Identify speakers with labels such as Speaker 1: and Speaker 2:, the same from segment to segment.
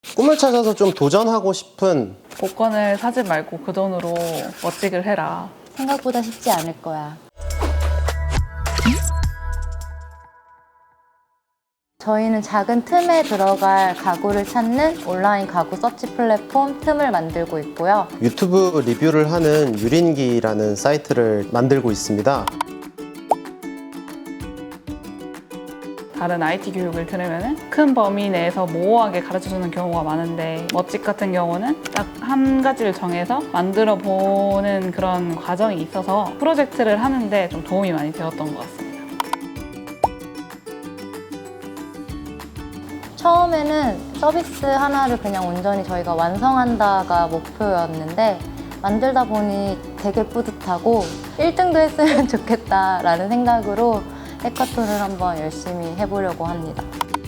Speaker 1: 꿈을 찾아서 좀 도전하고 싶은
Speaker 2: 복권을 사지 말고 그 돈으로 멋지기를 해라.
Speaker 3: 생각보다 쉽지 않을 거야. 저희는 작은 틈에 들어갈 가구를 찾는 온라인 가구 서치 플랫폼 틈을 만들고 있고요.
Speaker 1: 유튜브 리뷰를 하는 유린기라는 사이트를 만들고 있습니다.
Speaker 2: 다른 IT 교육을 들으면 큰 범위 내에서 모호하게 가르쳐주는 경우가 많은데 멋집 같은 경우는 딱 한 가지를 정해서 만들어 보는 그런 과정이 있어서 프로젝트를 하는데 좀 도움이 많이 되었던 것 같습니다.
Speaker 3: 처음에는 서비스 하나를 그냥 온전히 저희가 완성한다가 목표였는데 만들다 보니 되게 뿌듯하고 1등도 했으면 좋겠다라는 생각으로 해커톤을 한번 열심히 해보려고 합니다.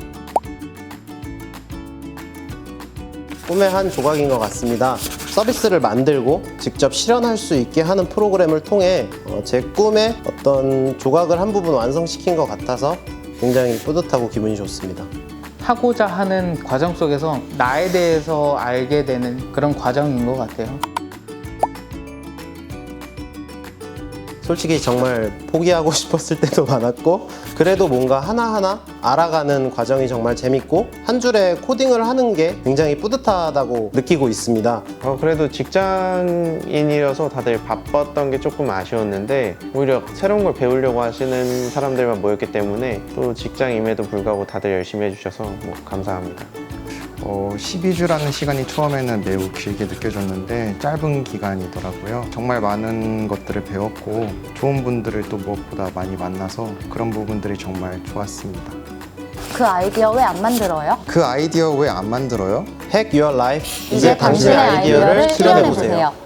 Speaker 1: 꿈의 한 조각인 것 같습니다. 서비스를 만들고 직접 실현할 수 있게 하는 프로그램을 통해 제 꿈의 어떤 조각을 한 부분 완성시킨 것 같아서 굉장히 뿌듯하고 기분이 좋습니다.
Speaker 4: 하고자 하는 과정 속에서 나에 대해서 알게 되는 그런 과정인 것 같아요.
Speaker 1: 솔직히 정말 포기하고 싶었을 때도 많았고 그래도 뭔가 하나하나 알아가는 과정이 정말 재밌고 한 줄에 코딩을 하는 게 굉장히 뿌듯하다고 느끼고 있습니다.
Speaker 5: 그래도 직장인이라서 다들 바빴던 게 조금 아쉬웠는데 오히려 새로운 걸 배우려고 하시는 사람들만 모였기 때문에 또 직장임에도 불구하고 다들 열심히 해주셔서 감사합니다.
Speaker 6: 12주라는 시간이 처음에는 매우 길게 느껴졌는데 짧은 기간이더라고요. 정말 많은 것들을 배웠고 좋은 분들을 또 무엇보다 많이 만나서 그런 부분들이 정말 좋았습니다.
Speaker 3: 그 아이디어 왜 안 만들어요?
Speaker 6: 그 아이디어 왜 안 만들어요?
Speaker 1: Hack Your Life.
Speaker 3: 이제 당신의 아이디어를 실현해보세요.